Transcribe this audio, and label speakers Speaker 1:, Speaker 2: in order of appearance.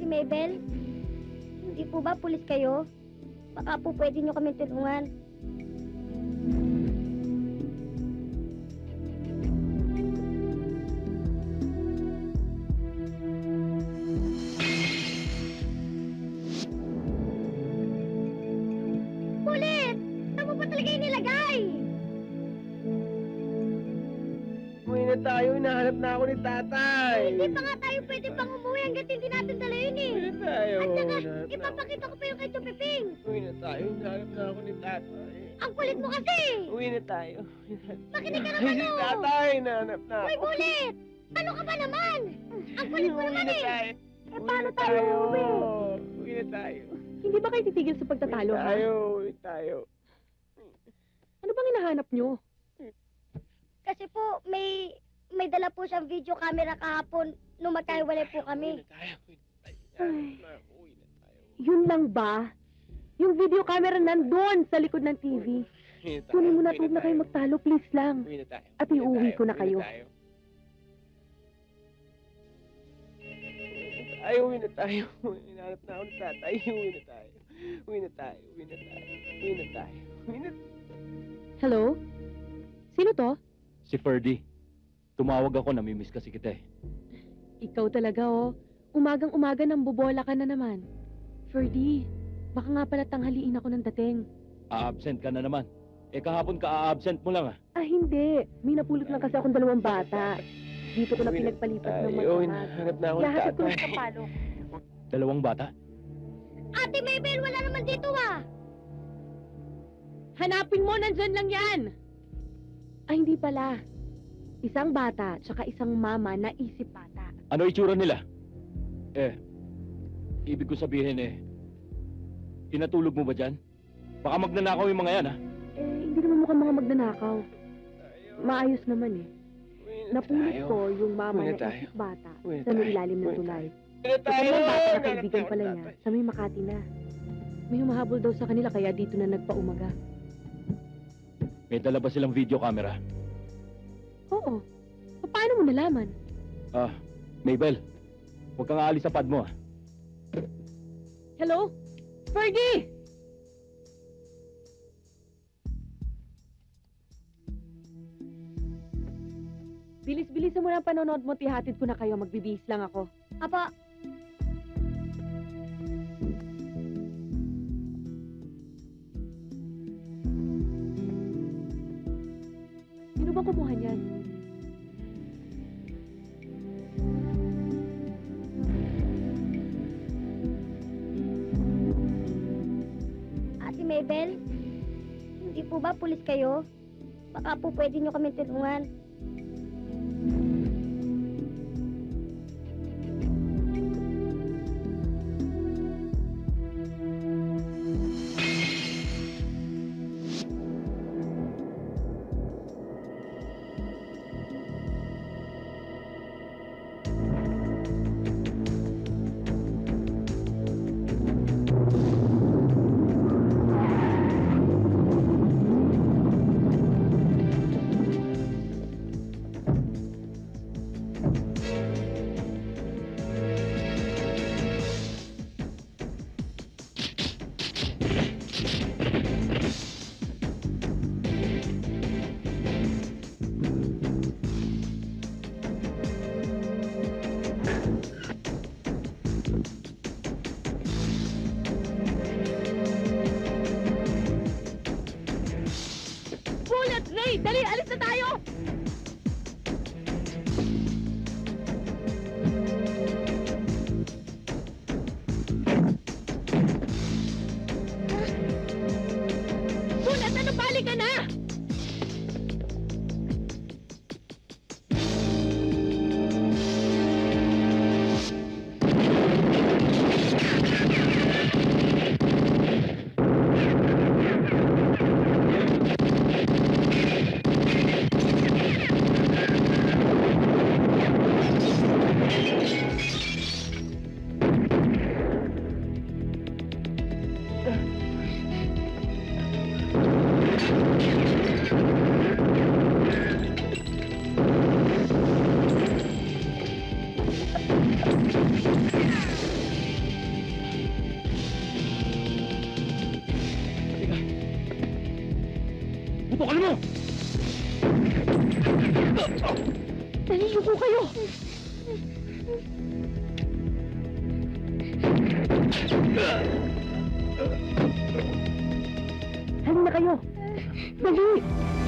Speaker 1: Ate Mabel, hindi po ba pulis kayo? Baka po pwede nyo kami tulungan. Pulis! Saan mo ba talaga inilagay?
Speaker 2: Uwi na tayo, hinahanap na ako ni tatay.
Speaker 1: Hindi pa nga tayo pwede pang umuwi hanggat hindi natin dala yun eh.
Speaker 2: Uwi na tayo.
Speaker 1: At saka,
Speaker 2: hinahanap na ako.
Speaker 1: ipapakita ko pa yung kay Chupiping.
Speaker 2: Uwi na tayo, hinahanap na ako ni tatay.
Speaker 1: Ang kulit mo kasi!
Speaker 2: Uwi na tayo.
Speaker 1: Makinig ka
Speaker 2: Ay,
Speaker 1: naman
Speaker 2: si
Speaker 1: oh!
Speaker 2: tatay, hinahanap na
Speaker 1: Uy,
Speaker 2: ako.
Speaker 1: bulit! Ano ka ba naman? Ang kulit mo
Speaker 2: Uwi
Speaker 1: naman
Speaker 2: na
Speaker 1: eh!
Speaker 2: tayo.
Speaker 1: Eh, paano tayo uuwi?
Speaker 2: Uwi na tayo.
Speaker 3: Hindi ba kayo titigil sa pagtatalo,
Speaker 2: Uwi
Speaker 3: ha?
Speaker 2: tayo, uwi tayo.
Speaker 3: Ano bang hinahanap nyo?
Speaker 1: Kasi po, may dala po siyang video camera kahapon nung magkahiwalay po
Speaker 2: Uwi
Speaker 1: kami.
Speaker 2: na tayo, uwi na tayo.
Speaker 3: Ay.
Speaker 2: Uwi na tayo.
Speaker 3: Yun lang ba? Yung video camera nandun sa likod ng TV.
Speaker 2: Uwi na tayo,
Speaker 3: Kunin mo na,
Speaker 2: uwi
Speaker 3: huwag na kayo
Speaker 2: tayo.
Speaker 3: magtalo, please lang.
Speaker 2: Uwi na tayo.
Speaker 3: At
Speaker 2: Uwi na
Speaker 3: iuwi
Speaker 2: tayo,
Speaker 3: ko na
Speaker 2: uwi
Speaker 3: kayo.
Speaker 2: tayo. Ay, uwi na tayo. Hinahanap na ako ni tatay. Uwi na tayo. Uwi na tayo. Uwi na tayo. Uwi na tayo. Uwi na
Speaker 3: Hello? Sino to?
Speaker 4: Si Ferdy. Tumawag ako, namimiss kasi kita eh.
Speaker 3: Ikaw talaga, oh. Umagang-umaga nang bobola ka na naman. Ferdy, baka nga pala tanghaliin ako ng dating.
Speaker 4: A-absent ka na naman. Eh kahapon ka a-absent mo lang ah.
Speaker 3: Ah, hindi. May napulot lang kasi akong 2 bata. Dito ko na
Speaker 2: Uwi na
Speaker 3: pinagpalipat ng
Speaker 2: tayo.
Speaker 3: magkamat.
Speaker 2: Hinahanap na ako ni
Speaker 3: Yahatid ko
Speaker 2: tatay.
Speaker 3: lang sa palo.
Speaker 4: 2 bata?
Speaker 1: Ate Mabel, wala naman dito ah!
Speaker 3: Hanapin mo, nandyan lang yan! Ay, hindi pala. Isang bata, tsaka isang mama na isip bata.
Speaker 4: Ano itsura nila? Eh, ibig ko sabihin eh, tinatulog mo ba dyan? Baka magnanakaw yung mga yan ah.
Speaker 3: Eh, hindi naman mukhang mga magnanakaw. Maayos naman eh.
Speaker 2: Uwi na
Speaker 3: Napulot
Speaker 2: tayo.
Speaker 3: ko yung mama
Speaker 2: Uwi na
Speaker 3: na
Speaker 2: tayo.
Speaker 3: isip bata
Speaker 2: Uwi na
Speaker 3: sa may
Speaker 2: tayo.
Speaker 3: ilalim ng
Speaker 2: Uwi na
Speaker 3: tulay.
Speaker 2: Uwi na
Speaker 3: Sa
Speaker 2: tayo.
Speaker 3: mga bata na
Speaker 2: Hinahanap
Speaker 3: kaibigan
Speaker 2: na ako
Speaker 3: pala
Speaker 2: ni
Speaker 3: niya,
Speaker 2: tatay.
Speaker 3: sa may Makati na. May humahabol daw sa kanila kaya dito na nagpaumaga.
Speaker 4: May dala ba silang video camera?
Speaker 3: Oo. Paano mo nalaman?
Speaker 4: Ah, Mabel, huwag kang aalis sa pad mo ah.
Speaker 3: Hello? Fergie! Bilis-bilisan mo na ang panonood mo, tihatid ko na kayo. Magbibihis lang ako.
Speaker 1: Apa,
Speaker 3: Sino ba kumuha niyan?
Speaker 1: Ate Mabel, hindi po ba pulis kayo? Baka po pwede nyo kami tulungan.
Speaker 3: Bullet! Ray! Dali! Alis na tayo! Bullet! Ano balik ka na? Dali, yuko kayo! Halina kayo! Dali!